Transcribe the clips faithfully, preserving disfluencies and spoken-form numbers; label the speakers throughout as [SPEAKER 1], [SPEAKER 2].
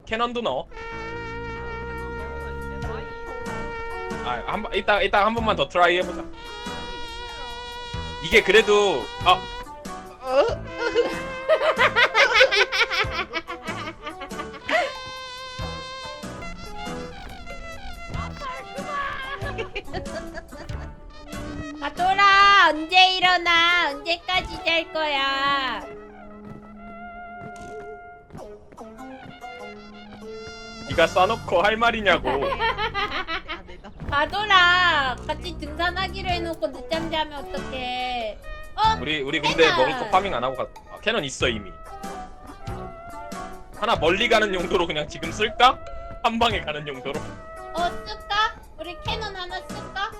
[SPEAKER 1] 캐논도 넣어. 아, 한 번, 이따 이따 한 번만 더 트라이 해보자. 이게 그래도 아
[SPEAKER 2] 가돌아 언제 일어나? 언제까지 잘 거야?
[SPEAKER 1] 네가 써놓고 할 말이냐고.
[SPEAKER 2] 가돌아 같이 등산하기로 해놓고 늦잠 자면 어떡해? 어?
[SPEAKER 1] 우리 우리 근데
[SPEAKER 2] 캐논.
[SPEAKER 1] 먹을 거 파밍 안 하고 가. 아, 캐논 있어 이미. 하나 멀리 가는 용도로 그냥 지금 쓸까? 한 방에 가는 용도로.
[SPEAKER 2] 어 쓸까? 우리 캐논 하나 쓸까?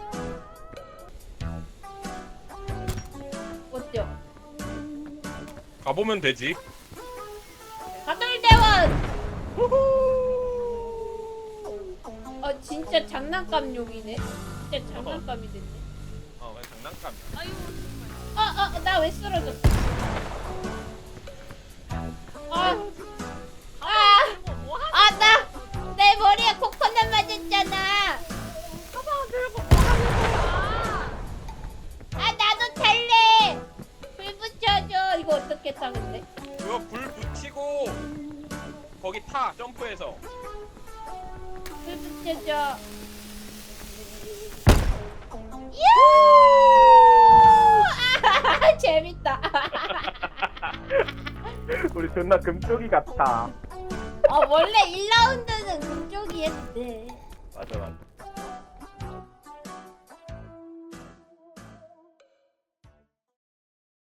[SPEAKER 2] 어때요?
[SPEAKER 1] 가보면 되지.
[SPEAKER 2] 가돌대원! 어 진짜 장난감용이네. 진짜 장난감이 됐네.
[SPEAKER 1] 어, 왜 장난감이야?
[SPEAKER 3] 아유
[SPEAKER 2] 어어 나 왜 쓰러졌어? 아, 아, 아, 나 내 머리에 코코넛 맞았잖아.
[SPEAKER 3] 가방 들고 뭐하는 거야?
[SPEAKER 2] 아 나도 탈래. 불 붙여줘. 이거 어떻게 타 근데?
[SPEAKER 1] 이거 불 붙이고 거기 타 점프해서.
[SPEAKER 2] 불 붙여줘. 유! 아, 재밌다.
[SPEAKER 1] 우리 존나 금쪽이 같다.
[SPEAKER 2] 어 원래 일 라운드는 금쪽이었대.